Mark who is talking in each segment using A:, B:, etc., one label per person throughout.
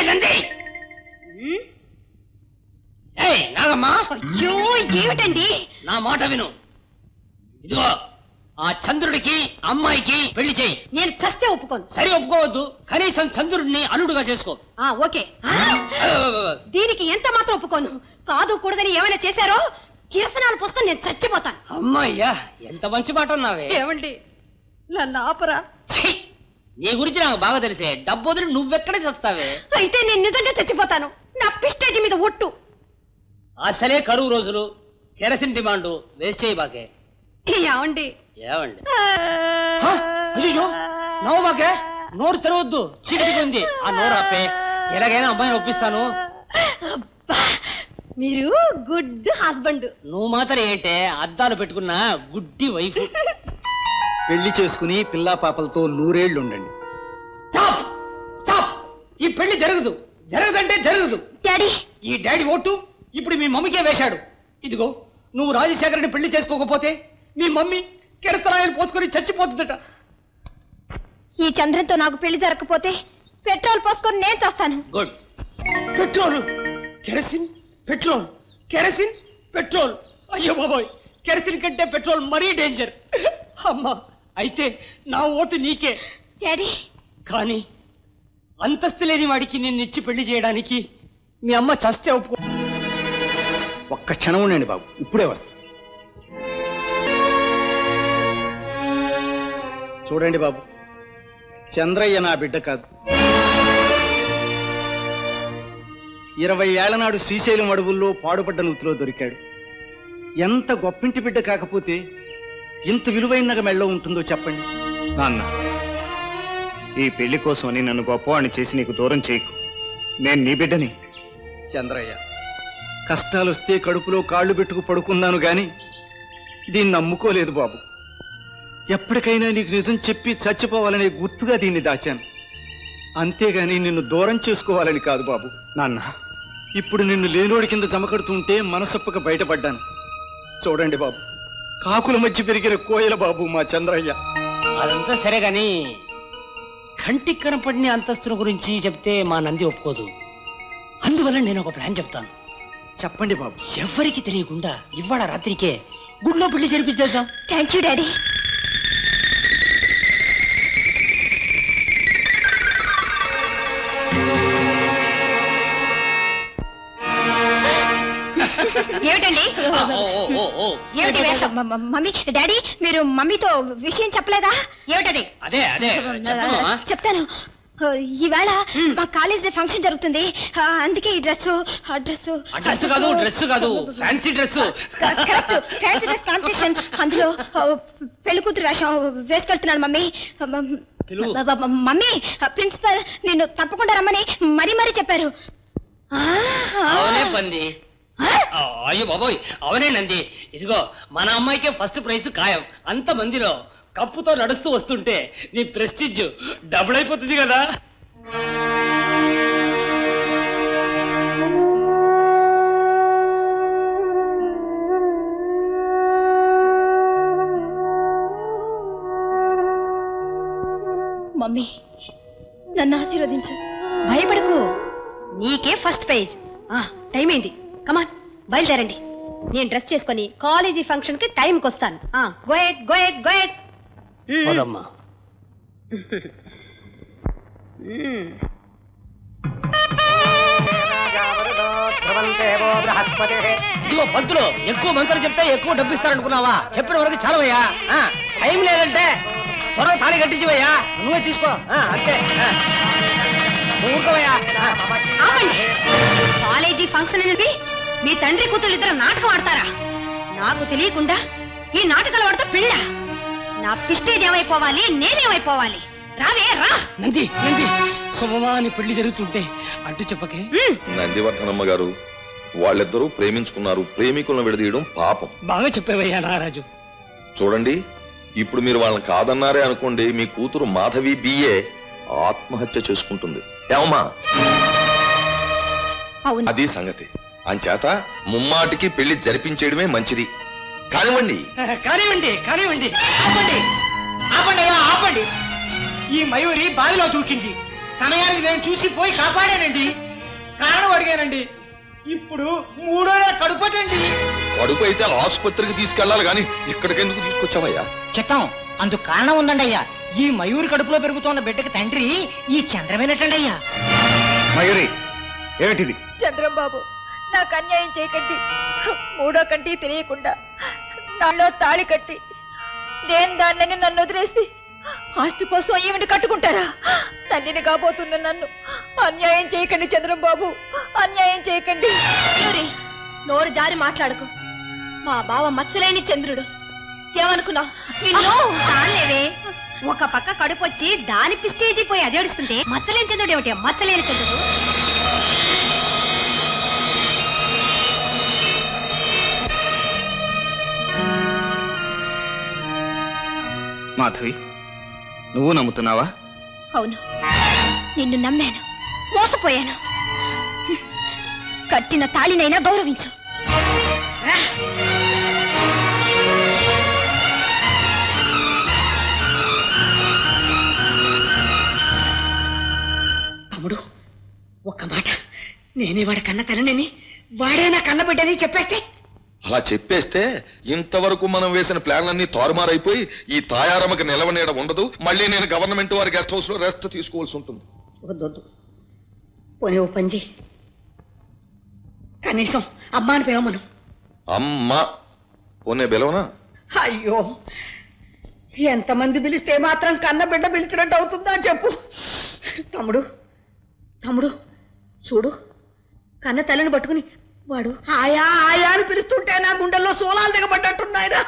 A: నంది నాగమ్మా
B: అయ్యో ఏమిటండి
A: నా మాట విను ఇదిగో ఆ చంద్రుడికి అమ్మాయికి పెళ్లి చేయి
B: నేను చస్తే ఒప్పుకోను
A: సరే ఒప్పుకోవద్దు కనీసం చంద్రుడిని అల్లుడుగా చేసుకో
B: ఓకే దీనికి ఎంత మాత్రం ఒప్పుకోను కాదు కూడదని ఏమైనా చేశారో కిరసనాలు పోసుకొని నేను చచ్చిపోతాను
A: అమ్మాయ్యా ఎంత మంచి మాట అన్నావే
B: ఏమండి నన్ను ఆపరా
A: నీ గురించి నాకు బాగా తెలిసే డబ్బు వదిలి నువ్వెక్కడ చేస్తావే
B: అయితే నేను నిజంగా చచ్చిపోతాను నా ప్రెస్టేజ్ మీద ఒట్టు
A: అసలే కరువు రోజులు కెరసిన్ డిమాండ్ వేస్ట్ చేయి బాకే
B: ఏమండి
A: ఏమండి అయ్యో నవ్వు బాకే నోరు తెరవద్దు చీకటిగా ఉంది ఆ నోరు ఆపే ఎలాగైనా అమ్మాయిని ఒప్పిస్తాను
B: మీరు గుడ్ హస్బెండ్
A: నువ్వు మాత్రం ఏంటే అద్దాలు పెట్టుకున్న గుడ్డి వైఫ్
C: పెళ్లి చేసుకుని పిల్లా పాపలతో 100 ఏళ్ళు ఉండండి
A: స్టాప్ స్టాప్ ఈ పెళ్లి జరగదు జరగదంటే జరగదు
B: డాడీ
A: ఈ డాడీ ఓటు ఇప్పుడు మీ మమ్మీకే వేశాడు ఇదిగో నువ్వు రాజశేఖర్ని పెళ్లి చేసుకోకపోతే మీ మమ్మీ కెరసనాయలు పోసుకొని చచ్చిపోతుందట
B: ఈ చంద్రంతో నాకు పెళ్లి జరగకపోతే పెట్రోల్ పోసుకొని నేను చేస్తాను
A: good petrol kerosene petrol kerosene petrol అయ్యో బాబోయ్ కెరసిన్ కంటే పెట్రోల్ మరీ డేంజర్ అమ్మా అయితే నా ఓటు నీకే
B: డాడీ
A: కానీ అంతస్తు లేని వాడికి నిన్ను ఇచ్చి పెళ్లి చేయడానికి మీ అమ్మ చస్తే ఒప్పుకో
C: ఒక్క క్షణం ఉండండి బాబు ఇప్పుడే వస్తా చూడండి బాబు చంద్రయ్య నా బిడ్డ కాదు 20 ఏళ్ల నాడు శ్రీశైలం అడవుల్లో పాడుపడ్డ నూతిలో దొరికాడు ఎంత గొప్పింటి బిడ్డ కాకపోతే ఇంత విలువైన మెళ్ళో ఉంటుందో చెప్పండి
D: నాన్న ఈ పెళ్లి కోసమని నన్ను గొప్పవాణ్ణి చేసి నీకు దూరం చేయకు నేను నీ బిడ్డని
C: చంద్రయ్య కష్టాలు వస్తే కడుపులో కాళ్ళు పెట్టుకు పడుకున్నాను గాని దీన్ని నమ్ముకోలేదు బాబు ఎప్పటికైనా నీకు నిజం చెప్పి చచ్చిపోవాలనే గుర్తుగా దీన్ని దాచాను అంతేగాని నిన్ను దూరం చేసుకోవాలని కాదు బాబు
D: నాన్న
C: ఇప్పుడు నిన్ను లేనోడి కింద జమకడుతుంటే మనసొప్పక బయటపడ్డాను చూడండి బాబు కాకుల మధ్య పెరిగిన కోయల బాబు మా చంద్రయ్య
A: అదంతా సరే గాని కంటికి కనపడిన అంతస్తుల గురించి చెప్తే మా నంది ఒప్పుకోదు అందువల్ల నేను ఒక ప్లాన్ చెప్తాను
C: చెప్పండి బాబు
A: ఎవరికి తెలియకుండా ఇవాళ రాత్రికే గుడిలో పెళ్లి జరిపించేద్దాం
B: థ్యాంక్ యూ డాడీ ఏమిటండి ఏమిటి వేషం మమ్మీ డాడీ మీరు మమ్మీతో విషయం చెప్పలేదా ఏమిటది
A: అదే అదే
B: చెప్తాను ఈవేళ మా కాలేజ్ ఫంక్షన్ జరుగుతుంది అందుకే ఈ డ్రెస్
A: డ్రెస్ కాదు డ్రెస్ కాదు fancy dress
B: fancy dress competition అందులో పెళ్లి కూతురు వేషం వేసుకెళ్తున్నాను మమ్మీ మమ్మీ ప్రిన్సిపల్ నిన్ను తప్పకుండా రమ్మని మరీ మరీ చెప్పారు
A: అవునే పంది అయ్యో బాబోయ్ అవనే నంది ఇదిగో మన అమ్మాయికే ఫస్ట్ ప్రైజ్ ఖాయం అంత మందిలో కప్పుతో నడుస్తూ వస్తుంటే నీ ప్రెస్టిజ్ డబుల్ అయిపోతుంది కదా
B: మమ్మీ నన్ను ఆశీర్వదించు భయపడకు నీకే ఫస్ట్ పేజ్ టైం అయింది కమాన్ బయలుదేరండి నేను డ్రెస్ చేసుకుని కాలేజీ ఫంక్షన్ కి టైంకి వస్తాను గోయట్
A: ఇదిగో పంతులు ఎక్కువ మంత్రులు చెప్తే ఎక్కువ డబ్బు ఇస్తారనుకున్నావా చెప్పిన వరకు చాలవయ్యా టైం లేదంటే త్వరగా తాళి కట్టించివయ్యా నువ్వే తీసుకో అంతే ఊరుకోవయ్యా
B: కాలేజీ ఫంక్షన్ అనేది మీ తండ్రి కూతురు ఇద్దరు నాటకం ఆడతారా నాకు తెలియకుండా ఈ నాటకాలు ఆడుతూ పిల్ల నా పిస్టేజ్ ఏమైపోవాలి నేనేమైపోవాలి రావే రా
A: నంది నంది సుమమాని పెళ్లి జరుగుతుంటే అంటూ చెప్పకే
E: నందివర్ధనమ్మ గారు వాళ్ళిద్దరూ ప్రేమించుకున్నారు ప్రేమికులను విడదీయడం పాపం
A: బాగా చెప్పేవయ్యా నారాజు
E: చూడండి ఇప్పుడు మీరు వాళ్ళని కాదన్నారే అనుకోండి మీ కూతురు మాధవి బిఏ ఆత్మహత్య చేసుకుంటుంది ఏమమ్మా అది సంగతి అంచేత ముమ్మాటికి పెళ్లి జరిపించేయడమే మంచిది కానివ్వండి
A: కానివ్వండి కానివ్వండి ఆపండి ఆపండి ఆపండి ఈ మయూరి బావిలో దూకింది
F: సమయానికి నేను చూసి పోయి కాపాడానండి, కారణం అడిగానండి. ఇప్పుడు 3వ నెల కడుపటండి.
E: కడుపు అయితే ఆసుపత్రికి తీసుకెళ్లాలి గాని ఇక్కడికెందుకు తీసుకొచ్చావయ్యా?
F: చెత్తం, అందుకు కారణం ఉందండి అయ్యా. ఈ మయూరి కడుపులో పెరుగుతున్న బిడ్డకి తండ్రి ఈ చంద్రమేనటండి అయ్యా.
D: మయూరి, ఏమిటిది?
G: చంద్రం బాబు, నాకు అన్యాయం చేయకండి. 3వ కంటి తెలియకుండా నాలో తాళి కట్టి నేను దాన్ని నన్ను వదిలేసి ఆస్తి కోసం ఈవిని కట్టుకుంటారా? తల్లిని కాబోతున్న నన్ను అన్యాయం చేయకండి చంద్రం బాబు, అన్యాయం చేయకండి.
B: నోరు జారి మాట్లాడకు. మా బావ మచ్చలేని చంద్రుడు. ఏమనుకున్నావు? చాలేవే, ఒక పక్క కడుపొచ్చి దాని పిస్టేజీ పోయి అదేడుస్తుంటే మచ్చలేని చంద్రుడు ఏమిటి? మచ్చలేని చంద్రుడు.
D: మాధవి, నువ్వు నమ్ముతున్నావా?
B: అవును, నిన్ను నమ్మాను, మోసపోయాను. కట్టిన తాళినైనా గౌరవించు.
F: తమ్ముడు, ఒక్క మాట, నేనే వాడి కన్న తల్లిని, వాడే నా కన్న బిడ్డని చెప్పేస్తే.
E: అలా చెప్పేస్తే ఇంతవరకు మనం వేసిన ప్లాన్లన్నీ తారుమారైపోయి ఈ తాయారమ్మకి నిలవనీయడం ఉండదు. మళ్ళీ నేను గవర్నమెంట్ వారి గెస్ట్ హౌస్ లో రెస్ట్ తీసుకోవాల్సి ఉంటుంది.
F: వద్దొద్దు, పోనీ ఓ పంజి, కనీసం అమ్మాని పిలవమను.
E: అమ్మా పోనే బెలవనా?
F: అయ్యో, ఎంతమంది పిలిస్తే మాత్రం కన్న బిడ్డ పిలిచినట్టు అవుతుందా చెప్పు. తమ్ముడు, తమ్ముడు చూడు, కన్న తల్లిని పట్టుకుని వాడు ఆయా ఆయా అని పిలుస్తుంటే నా గుండెల్లో సోలాలు దిగబడ్డట్టున్నాయిరా.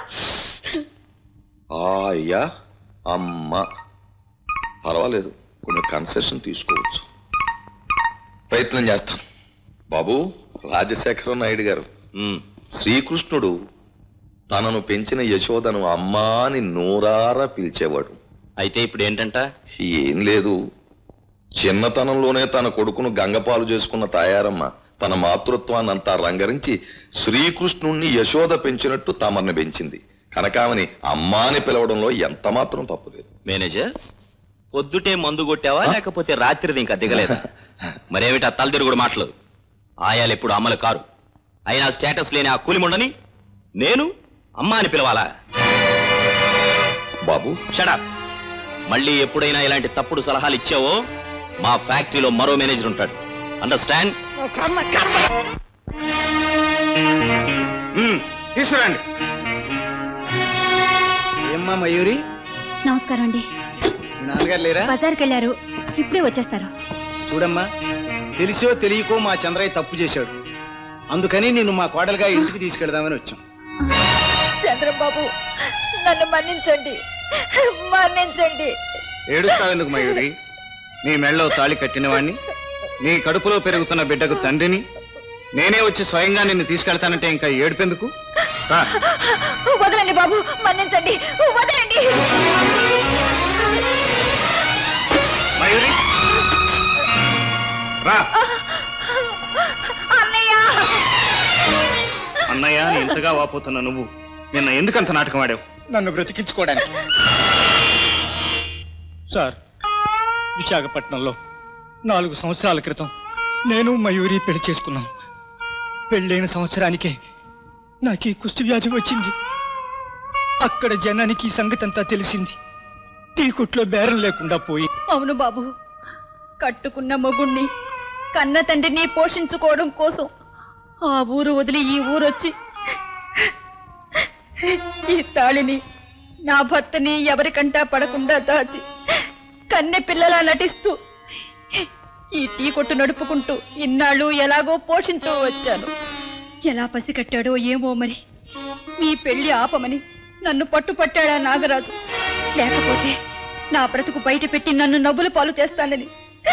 E: అయ్యా అమ్మ పర్వాలేదు, కొన్ని కన్సెషన్ తీసుకోవచ్చు. ప్రయత్నం చేస్తాను. బాబు రాజశేఖర నాయుడు గారు, శ్రీకృష్ణుడు తనను పెంచిన యశోదను అమ్మా అని నోరారా పిలిచేవాడు.
H: అయితే ఇప్పుడు ఏంటంట?
E: ఏం లేదు, చిన్నతనంలోనే తన కొడుకును గంగపాలు చేసుకున్న తాయారమ్మ తన మాతృత్వాన్నంతా రంగరించి శ్రీకృష్ణుణ్ణి యశోద పెంచినట్టు తమర్ని పెంచింది. కనకామని అమ్మా అని పిలవడంలో ఎంత మాత్రం తప్పులేదు.
H: మేనేజర్, పొద్దుటే మందు కొట్టావా లేకపోతే రాత్రిది ఇంకా దిగలేదా? మరేమిటి ఆ తలదిరుగుడు మాటలు? ఆయాలు ఎప్పుడు అమ్మలు కారు. అయినా స్టేటస్ లేని ఆ కూలిముండని నేను అమ్మా అని పిలవాలా?
E: బాబు
H: షడప్. మళ్ళీ ఎప్పుడైనా ఇలాంటి తప్పుడు సలహాలు ఇచ్చావో మా ఫ్యాక్టరీలో మరో మేనేజర్ ఉంటాడు. అండర్స్టాండ్?
D: తీసుకురండి.
C: ఏమ్మా మయూరి?
B: నమస్కారం అండి.
C: నాన్నగారు లేరా?
B: బజార్కి వెళ్ళారు, ఇప్పుడే వచ్చేస్తారు.
C: చూడమ్మా, తెలిసో తెలియకో మా చంద్రయ్య తప్పు చేశాడు. అందుకని నిన్ను మా కోడలుగా ఇంటికి తీసుకెళ్దామని వచ్చాం.
G: చంద్రం బాబు, నన్ను మన్నించండి, మన్నించండి.
D: ఏడుస్తావెందుకు మయూరి? నీ మెళ్ళలో తాళి కట్టినవాణ్ణి, నీ కడుపులో పెరుగుతున్న బిడ్డకు తండ్రిని, నేనే వచ్చి స్వయంగా నిన్ను తీసుకెళ్తానంటే ఇంకా ఏడుపెందుకు?
G: వదలండి బాబు, మన్నించండి, వదలండి.
D: మయూరి రా.
G: అన్నయ్య,
D: అన్నయ్య నీ ఇంతగా వాపోతున్న నువ్వు నిన్న ఎందుకంత నాటకం ఆడావు?
C: నన్ను బ్రతికించుకోవడానికి. సార్, విశాఖపట్నంలో 4 సంవత్సరాల క్రితం నేను మయూరి పెళ్లి చేసుకున్నాం. పెళ్ళైన సంవత్సరానికే నాకు ఈ కుష్టి వ్యాధి వచ్చింది. అక్కడ జనానికి ఈ సంగతి అంతా తెలిసింది. తీకుట్లో బేరం లేకుండా పోయి.
G: అవును బాబు, కట్టుకున్న మొగుణ్ణి, కన్న తండ్రిని పోషించుకోవడం కోసం ఆ ఊరు వదిలి ఈ ఊరొచ్చి ఈ తాళిని, నా భర్తని ఎవరికంటా పడకుండా దాచి కన్నె పిల్లలా నటిస్తూ ఈ టీ కొట్టు నడుపుకుంటూ ఇన్నాళ్ళు ఎలాగో పోషించూ వచ్చాను. ఎలా పసికట్టాడో ఏమో మరి, మీ పెళ్లి ఆపమని నన్ను పట్టుపట్టాడా నాగరాజు. లేకపోతే నా బ్రతుకు బయట పెట్టి నన్ను నవ్వుల పాలు చేస్తానని,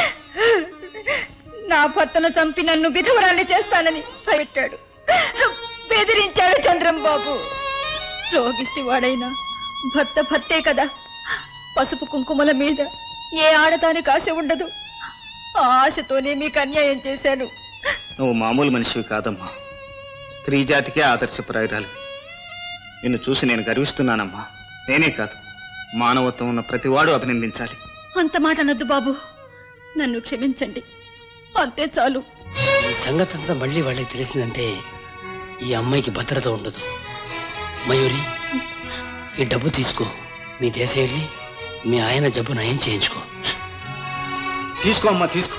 G: నా భర్తను చంపి నన్ను విధవరాన్ని చేస్తానని భయపెట్టాడు, బెదిరించాడు చంద్రం బాబు. రోగిష్టి వాడైనా భర్త భర్తే కదా. పసుపు కుంకుమల మీద ఏ ఆడదానికి ఆశ ఉండదు. ఆ ఆశతోనే మీకు అన్యాయం చేశాను.
D: నువ్వు మామూలు మనిషివి కాదమ్మా, స్త్రీ జాతికే ఆదర్శప్రాయురాలు. నిన్ను చూసి నేను గర్విస్తున్నానమ్మా. నేనే కాదు, మానవత్వం ఉన్న ప్రతివాడు అభినందించాలి.
B: అంత మాట అనొద్దు బాబు.
G: నన్ను క్షమించండి, అంతే చాలు.
A: ఈ సంగతి అంతా మళ్ళీ వాళ్ళకి తెలిసిందంటే ఈ అమ్మాయికి భద్రత ఉండదు. మయూరి, ఈ డబ్బు తీసుకో, మీ దేశం వెళ్ళి మీ ఆయన జబ్బు నయం చేయించుకో.
C: తీసుకో అమ్మా, తీసుకో.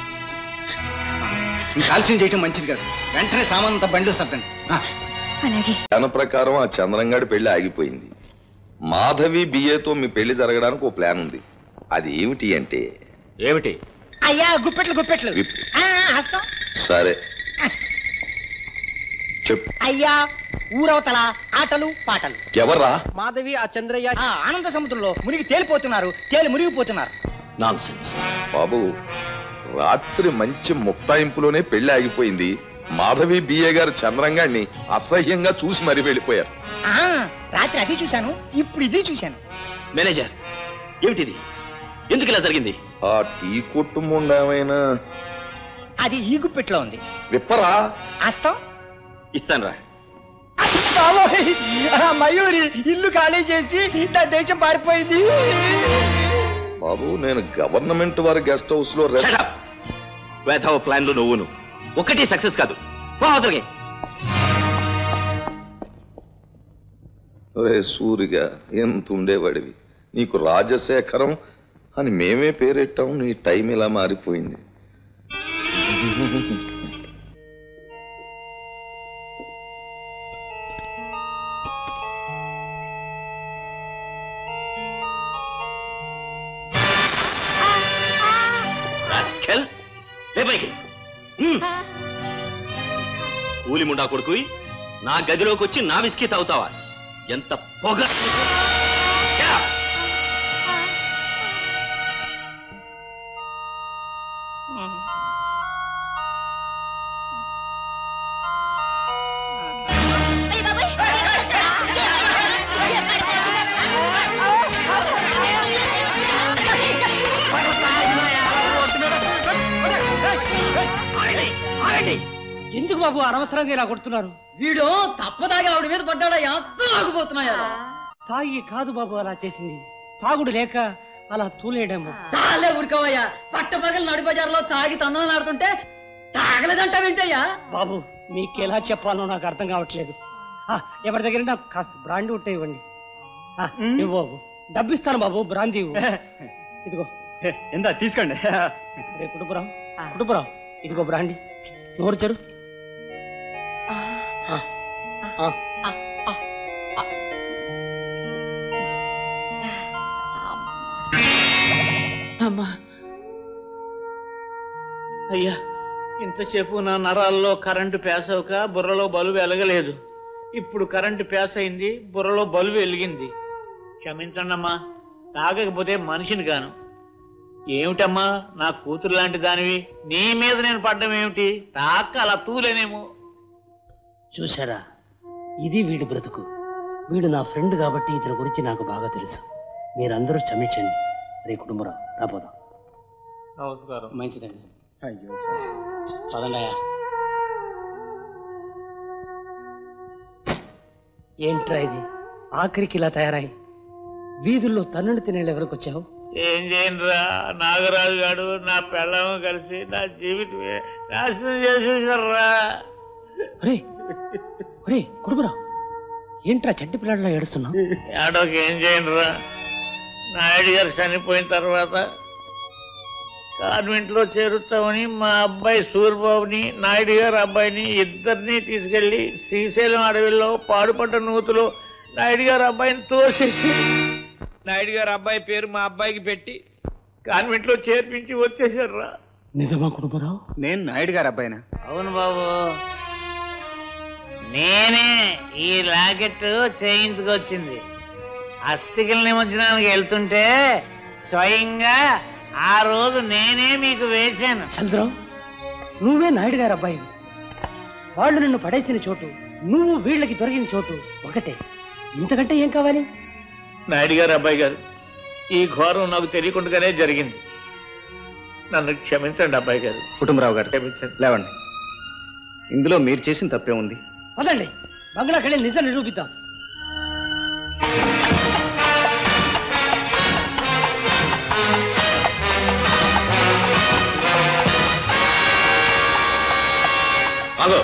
C: ఇంకా ఆలస్యం చేయటం మంచిది కాదు. వెంటనే సామానంతా బండిలో సర్దండి.
E: దాని ప్రకారం ఆ చంద్రంగాడి పెళ్లి ఆగిపోయింది. మాధవి బిఏతో మీ పెళ్లి జరగడానికి ఓ ప్లాన్ ఉంది. అది ఏమిటి అంటే
H: ఏమిటి?
I: అయ్యా గుప్పెట్లు హస్తం.
E: సరే చెప్పు.
I: అయ్యా ఊరవతల ఆటలు పాటలు.
E: ఎవర్రా?
I: మాధవి ఆ చంద్రయ్య ఆనంద సముద్రంలో మునిగి తేలిపోతున్నారు, మునిగిపోతున్నారు.
A: నాన్సెన్స్.
E: బాబు, రాత్రి మంచి ముక్తాయింపులోనే పెళ్లి ఆగిపోయింది. మాధవి బిఏ గారు చంద్రంగాడిని అసహ్యంగా చూసి మరీ వెళ్ళిపోయారు.
I: రాత్రి అది చూశాను, ఇప్పుడు ఇది చూశాను.
H: మేనేజర్, ఏమిటిది? ఎందుకు ఇలా జరిగింది?
E: ఆ టీ కొట్టు ముండేమైనా
I: అది ఈ గుప్పెట్లో ఉంది.
E: విప్పరా?
I: హస్తం
H: ఇస్తాను రా.
I: మయూరి ఇల్లు ఖాళీ చేసి నా దేశం పారిపోయింది.
E: బాబు, నేను గవర్నమెంట్ వారి గెస్ట్ హౌస్ లో
H: వేధవ ప్లాన్లు నువ్వును ఒకటి సక్సెస్ కాదు.
E: రే సూరిగా, ఎంత ఉండేవాడివి. నీకు రాజశేఖరం అని మేమే పేరెట్టాం. నీ టైం ఇలా మారిపోయింది.
H: కూలి ముండా కొడుకు నా గదిలోకి వచ్చి నా విస్కీ తాగుతావా? ఎంత పొగ!
A: ఎందుకు బాబు అనవసరంగా ఇలా కొడుతున్నారు? వీడు తప్పదాగి ఆవిడ మీద పడ్డాడా? ఎంత ఆగిపోతున్నాయా? తాగి కాదు బాబు అలా చేసింది, తాగుడు లేక అలా తూలేయడము. చాలే ఊరుకోవయ్యా. పట్టపగలు నడి బజార్లో తాగి తందనాడుతుంటే తాగలేదంట వింటయ్యా. బాబు, మీకెలా చెప్పాలో నాకు అర్థం కావట్లేదు. ఎవరి దగ్గర నాకు కాస్త బ్రాండీ ఉంటే ఇవ్వండి. ఇవ్వు బాబు, డబ్బిస్తాను బాబు, బ్రాందీ ఇవ్వు. ఇదిగో
C: ఎంత తీసుకోండి.
A: కుటుంబరావు ఇదిగో బ్రాండీ, నోరు చెరు.
C: అమ్మా, అయ్యా, ఇంతసేపు నా నరాల్లో కరెంటు పేసవక బుర్రలో బలుబు వెలగలేదు. ఇప్పుడు కరెంటు పేస అయింది, బుర్రలో బలుబు వెలిగింది. క్షమించండి అమ్మా, తాగకపోతే మనిషిని గాను. ఏమిటమ్మా, నా కూతురు లాంటి దానివి, నీ మీద నేను పడ్డం ఏమిటి? తాక అలా తూలేనేమో.
A: చూసారా, ఇది వీడి బ్రతుకు. వీడు నా ఫ్రెండ్ కాబట్టి ఇతని గురించి నాకు బాగా తెలుసు. మీరందరూ క్షమించండి. రే కుటుంబరావు, రాపోదాం.
C: నమస్కారం.
A: మంచిదండి.
C: అయ్యో,
A: పదండాయా. ఏంట్రా ఇది ఆఖరికి ఇలా తయారై వీధుల్లో తన్నుడు తినేళ్ళు ఎవరికి వచ్చావు?
C: ఏం చేయనురా, నాగరాజు గారు నా పెళ్ళము కలిసి నా జీవితమే నాశనం చేసేసారా.
A: కుటుంబరావు, ఏంట్రా చంటి పిల్లడిలో ఏడుస్తున్నావు?
C: ఏడోకి ఏం చేయనురా, నాయుడు గారు చనిపోయిన తర్వాత కాన్వెంట్ లో చేరుతామని మా అబ్బాయి సూర్యబాబుని, నాయుడు గారు అబ్బాయిని ఇద్దరిని తీసుకెళ్లి శ్రీశైలం అడవిలో పాడుపడ్డ నూతులో నాయుడు గారు అబ్బాయిని తోసేసి నాయుడు గారు అబ్బాయి పేరు మా అబ్బాయికి పెట్టి కాన్వెంట్ లో చేర్పించి వచ్చేసారా.
A: నిజమా కుటుంబరావు?
C: నేను నాయుడు గారు అబ్బాయినా?
I: అవును బాబు, నేనే ఈ లాకెట్ చేయించుకొచ్చింది. అస్థికల నిమజ్జనానికి వెళ్తుంటే స్వయంగా ఆ రోజు నేనే మీకు వేశాను.
A: చంద్రం, నువ్వే నాయుడు గారు అబ్బాయి. వాళ్ళు నిన్ను పడేసిన చోటు, నువ్వు వీళ్ళకి దొరికిన చోటు ఒకటే. ఇంతకంటే ఏం కావాలి?
C: నాయుడు గారు అబ్బాయి గారు, ఈ ఘోరం నాకు తెలియకుండానే జరిగింది. నన్ను క్షమించండి అబ్బాయి గారు.
D: కుటుంబరావు గారు,
C: క్షమించండి.
D: లేవండి. ఇందులో మీరు చేసిన తప్పే ఉంది.
A: పదండి, బంగ్లాకి వెళ్ళి నిజం నిరూపిద్దాం.
H: ఆగో,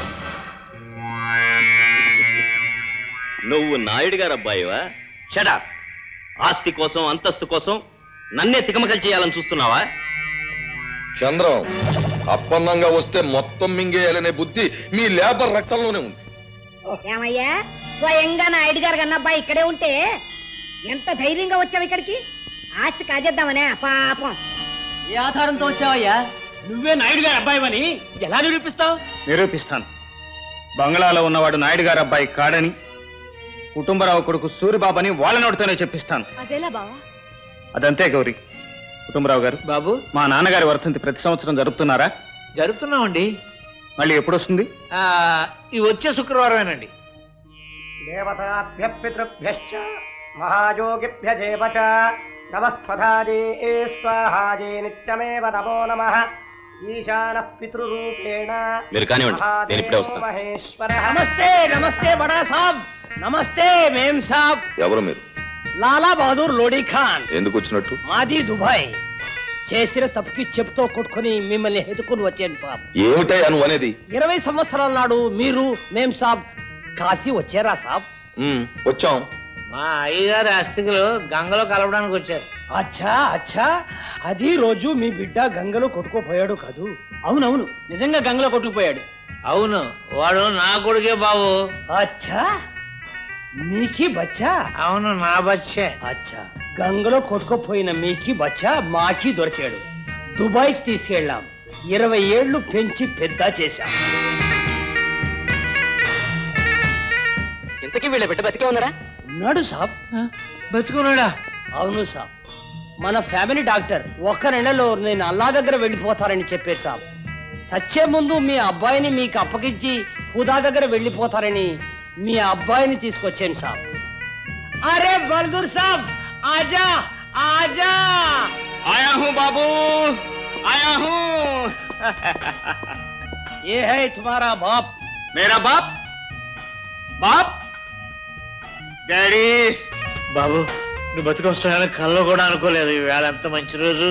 H: నువ్వు నాయుడు గారు అబ్బాయివా? షడా, ఆస్తి కోసం అంతస్తు కోసం నన్నే తికమకలు చేయాలని చూస్తున్నావా?
E: చంద్రం, అప్పన్నంగా వస్తే మొత్తం మింగేయాలనే బుద్ధి మీ లేబర్ రక్తంలోనే ఉంది.
F: ఏమయ్యా, స్వయంగా నాయుడు గారు కన్నా అబ్బాయి ఇక్కడే ఉంటే ఎంత ధైర్యంగా వచ్చావు ఇక్కడికి? ఆస్తి కాజేద్దామనే పాపం.
A: ఏ ఆధారంతో వచ్చావయ్యా? నువ్వే నాయుడు గారి అబ్బాయివని ఎలా నిరూపిస్తావు?
D: నిరూపిస్తాను. బంగ్లాలో ఉన్నవాడు నాయుడు గారు అబ్బాయి కాడని, కుటుంబరావు కొడుకు సూరిబాబని వాళ్ళ నోటితోనే చెప్పిస్తాను.
B: అదేలా బావా?
D: అదంతే గౌరీ. కుటుంబరావు గారు,
I: బాబు,
D: మా నాన్నగారి వర్ధంతి ప్రతి సంవత్సరం జరుపుతున్నారా?
I: జరుపుతున్నామండి.
D: మళ్ళీ ఎప్పుడు వస్తుంది?
I: ఇది వచ్చే శుక్రవారమేనండి.
J: దేవతాభ్య పితృభ్యశ్చ మహాయోగిభ్యజేవ చ నమస్త్వధాజే స్వాహాజే నిత్యమేవ నమో నమః. ఈశానః పితృరూపేణ
H: మీరు కానివ్వండి, నేను ఇప్పుడే వస్తాను.
J: మహేశ్వరః.
A: నమస్తే నమస్తే బడా సాబ్. నమస్తే మేం సాబ్.
E: ఎవరు మీరు?
A: లాలా బహదూర్ లోడీ ఖాన్.
E: ఎందుకు వచ్చినట్టు?
A: మాది దుబాయ్. చేసిన తప్పుకి చెప్తో కొట్టుకుని మిమ్మల్ని ఎదుకుని వచ్చాను సాబ్.
E: ఏమిటయ్యా నువ్వు అనేది?
A: 20 సంవత్సరాల నాడు మీరు మేం సాబ్ కాశీ వచ్చారా సాబ్?
E: వచ్చాం.
I: మా అయ్యగారి అస్థికులు గంగలో కలవడానికి వచ్చారు.
A: అచ్చా అచ్చా, అది రోజు మీ బిడ్డ గంగలో కొట్టుకుపోయాడు కాదు? అవునవును, నిజంగా గంగలో కొట్టుకుపోయాడు.
I: అవును, వాడు నా కొడుకే బాబు.
A: అచ్చా, మీకి బచ్చా?
I: అవును, నా బచ్చే.
A: అచ్చా, గంగలో కొట్టుకుపోయిన మీకి బచ్చా మాకి దొరికాడు. దుబాయ్కి తీసుకెళ్ళాం. 20 ఏళ్లు పెంచి పెద్ద చేశాం.
I: ఇంతకీ వీళ్ళ బిడ్డ బతికే ఉన్నారా?
A: ఉన్నాడు సాబ్.
I: బతుకున్నాడా?
A: అవును సాబ్. మన ఫ్యామిలీ డాక్టర్ 1 నెలలో నేను అల్లా దగ్గర వెళ్ళిపోతారని చెప్పారు సాబ్. చచ్చే ముందు మీ అబ్బాయిని మీకు అప్పగించి హుదా దగ్గర వెళ్ళిపోతారని మీ అబ్బాయిని తీసుకొచ్చాను సాబ్. అరే బల్దూర్ సాబ్, ఆజా ఆజా.
D: ఆయా హూ బాబూ, ఆయా హూ.
A: ఏ హై తుమారా బాప్?
D: మేరా బాప్? బాప్? డాడీ.
I: బాబు, నువ్వు బతుకొస్తానని కల్లో కూడా అనుకోలేదు. ఈవేళ ఎంత మంచి రోజు.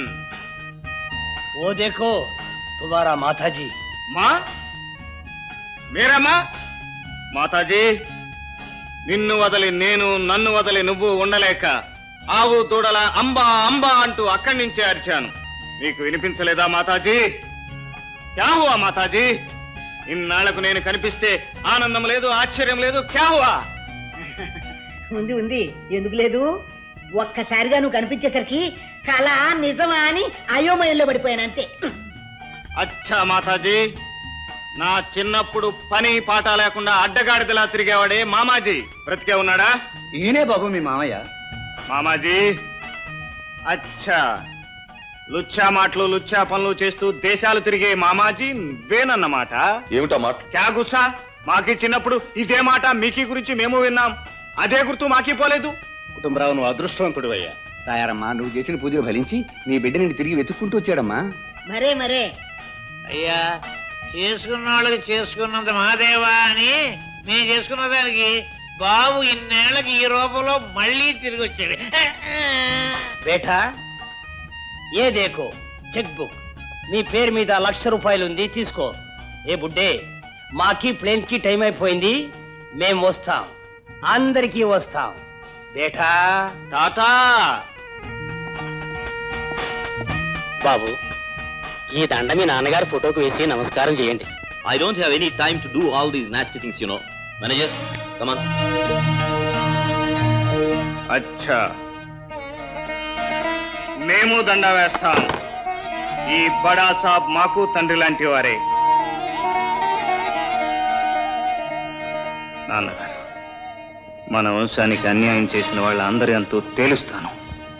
A: ఓ దేఖో తుమారా మాతాజీ.
D: మా? మేరమ్మా? మాతాజీ, నిన్ను వదలి నేను, నన్ను వదలి నువ్వు ఉండలేక ఆవు దూడల అంబా అంబా అంటూ అక్కడి నుంచే అరిచాను. నీకు వినిపించలేదా మాతాజీ? క్యా హువా మాతాజీ? ఇన్నాళ్లకు నేను కనిపిస్తే ఆనందం లేదు, ఆశ్చర్యం లేదు. క్యా హువా?
F: ఉంది ఉంది, ఎందుకు లేదు? ఒక్కసారిగా నువ్వు కనిపించేసరికి కళ నిజమా అని అయోమయంలో పడిపోయానంతే.
D: అచ్చా మాతాజీ, నా చిన్నప్పుడు పని పాట లేకుండా అడ్డగాడిదలా తిరిగేవాడే మామాజీ బ్రతికే ఉన్నాడా?
C: ఈయనే బాబు మీ మామయ్య.
D: మామాజీ, అచ్చా, లుచ్చా మాటలు లుచ్చా పనులు చేస్తూ దేశాలు తిరిగే మామాజీ వేనన్నమాట.
E: ఏమిటా మాట?
D: క్యా గుస్సా? మాకి చిన్నప్పుడు ఇదే మాట మీకీ గురించి మేము విన్నాం. అదే గుర్తు మాకీ పోలేదు.
C: కుటుంబరావు, నువ్వు అదృష్టవంతుడు అయ్యా. తాయారమ్మా, నువ్వు చేసిన పూజ ఫలించి నీ బిడ్డ నిన్ను తిరిగి వెతుక్కుంటూ వచ్చాడమ్మా.
F: మరే మరే
I: అయ్యా, చేసుకున్న వాళ్ళకి చేసుకున్నంత మహాదేవా అని నేను చేసుకున్న దానికి బాబు ఇన్నేళ్లకి ఈ రూపంలో మళ్ళీ తిరిగి వచ్చాడు.
A: బేటా, ఏ దేకో చెక్ బుక్. మీ పేరు మీద 1,00,000 రూపాయలు ఉంది, తీసుకో. ఏ బుడ్డే, మాకి ప్లేన్ కి టైం అయిపోయింది, మేం వస్తాం, అందరికీ వస్తాం. బేటా
D: టాటా.
A: బాబు, ఈ దండ మీ నాన్నగారి ఫోటోకు వేసి నమస్కారం చేయండి.
H: I don't have any time to do all these nasty things, you know. Manager, come on.
D: అచ్చా, మేము దండ వేస్తాం. ఈ బడా సాబ్ మాకు తండ్రి లాంటి వారే. నాన్నగారు, మన వంశానికి అన్యాయం చేసిన వాళ్ళందరి అంతూ తేలుస్తాను.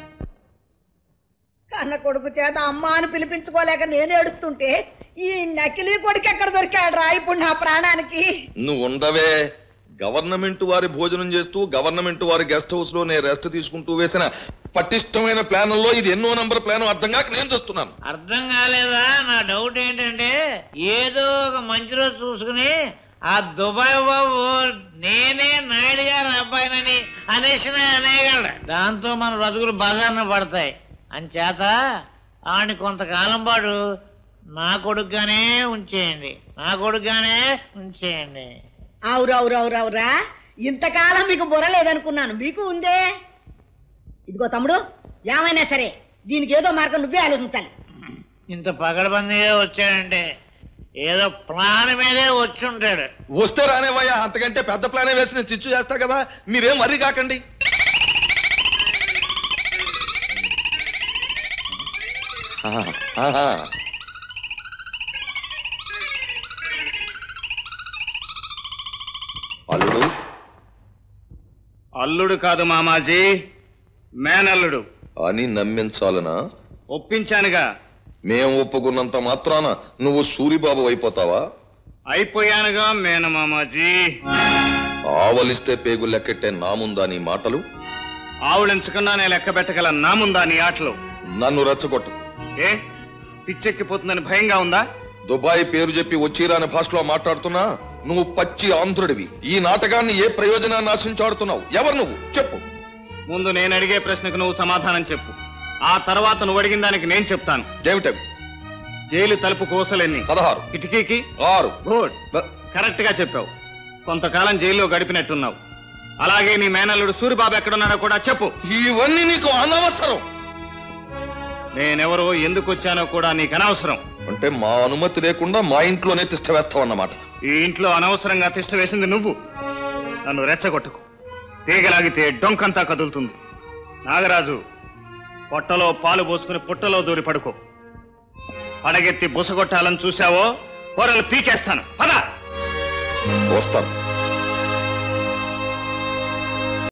F: కన్న కొడుకు చేత అమ్మ అని పిలిపించుకోలేక నేను ఏడుస్తుంటే ఈ నకిలీ కొడుకు ఎక్కడ దొరికాడు రా ఇప్పుడు నా ప్రాణానికి?
E: నువ్వు ఉండవే. గవర్నమెంట్ వారి భోజనం చేస్తూ గవర్నమెంట్ వారి గెస్ట్ హౌస్ లో నేను రెస్ట్ తీసుకుంటూ వేసిన పటిష్టమైన ప్లాన్లో ఇది ఎన్నో నంబర్ ప్లాన్ అర్థం కాక నేను చూస్తున్నాను.
I: అర్థం కాలేదా? నా డౌట్ ఏంటంటే ఏదో ఒక మంచి రోజు చూసుకుని ఆ దుబాయ్ బాబు నేనే నాయుడు గారి అబ్బాయినని అనేసినా అనేయగలడు. దాంతో మన బతుకులు బజార్న పడతాయి. అంచేత ఆడిని కొంతకాలం పాటు నా కొడుకుగానే ఉంచేయండి, నా కొడుకుగానే ఉంచేయండి.
F: అవురా ఇంతకాలం మీకు బుర్ర లేదనుకున్నాను, మీకు ఉందే. ఇదిగో తమ్ముడు, ఏమైనా సరే దీనికి ఏదో మార్గం నువ్వే ఆలోచించాలి.
I: ఇంత పగడబందీగా వచ్చాడంటే ఏదో ప్లాన్ మీదే వచ్చి ఉంటాడు.
E: వస్తే రానేవయ్యా, అంతకంటే పెద్ద ప్లానే వేసి నేను చిచ్చు చేస్తా కదా, మీరేం వర్రీ కాకండి. అల్లుడు
D: అల్లుడు కాదు మామాజీ, మేనల్లుడు
E: అని నమ్మించాలనా?
D: ఒప్పించానుగా.
E: మేం ఒప్పుకున్నంత మాత్రాన నువ్వు సూరిబాబు అయిపోతావా?
D: అయిపోయానుగా మేనమామాజీ.
E: ఆవలిస్తే పేగు లెక్కెట్టే నా ముందా నీ మాటలు?
D: ఆవులించకుండా నేను లెక్క పెట్టగల నా ముందా నీ ఆటలు?
E: నన్ను రెచ్చగొట్టు.
D: ఏ పిచ్చెక్కిపోతుందని భయంగా ఉందా?
E: దుబాయ్ పేరు చెప్పి వచ్చిరాని భాషలో మాట్లాడుతున్నా నువ్వు పచ్చి ఆంధ్రుడివి. ఈ నాటకాన్ని ఏ ప్రయోజనాన్ని ఆశించాడుతున్నావు? ఎవరు నువ్వు చెప్పు.
D: ముందు నేను అడిగే ప్రశ్నకు నువ్వు సమాధానం చెప్పు, ఆ తర్వాత నువ్వు అడిగిన దానికి నేను చెప్తాను.
E: ఏమిటవి?
D: జైలు తలుపు కోసలెన్ని?
E: 16.
D: కిటికీకి
E: 6.
D: గుడ్, కరెక్ట్ గా చెప్పావు. కొంతకాలం జైల్లో గడిపినట్టున్నావు. అలాగే నీ మేనల్లుడు సూరిబాబు ఎక్కడున్నాడో కూడా చెప్పు.
E: ఇవన్నీ నీకు అనవసరం.
D: నేనెవరో ఎందుకు వచ్చానో కూడా నీకు అనవసరం.
E: అంటే మా అనుమతి లేకుండా మా ఇంట్లోనే తిష్ట వేస్తావన్నమాట.
D: ఈ ఇంట్లో అనవసరంగా తిష్ట వేసింది నువ్వు. నన్ను రెచ్చగొట్టుకు. తీగలాగితే డొంకంతా కదులుతుంది. నాగరాజు, పొట్టలో పాలు పోసుకుని పుట్టలో దూరి పడుకో. పడగెత్తి బుసగొట్టాలని చూశావో కూరలు పీకేస్తాను. పద.
E: వస్తాను.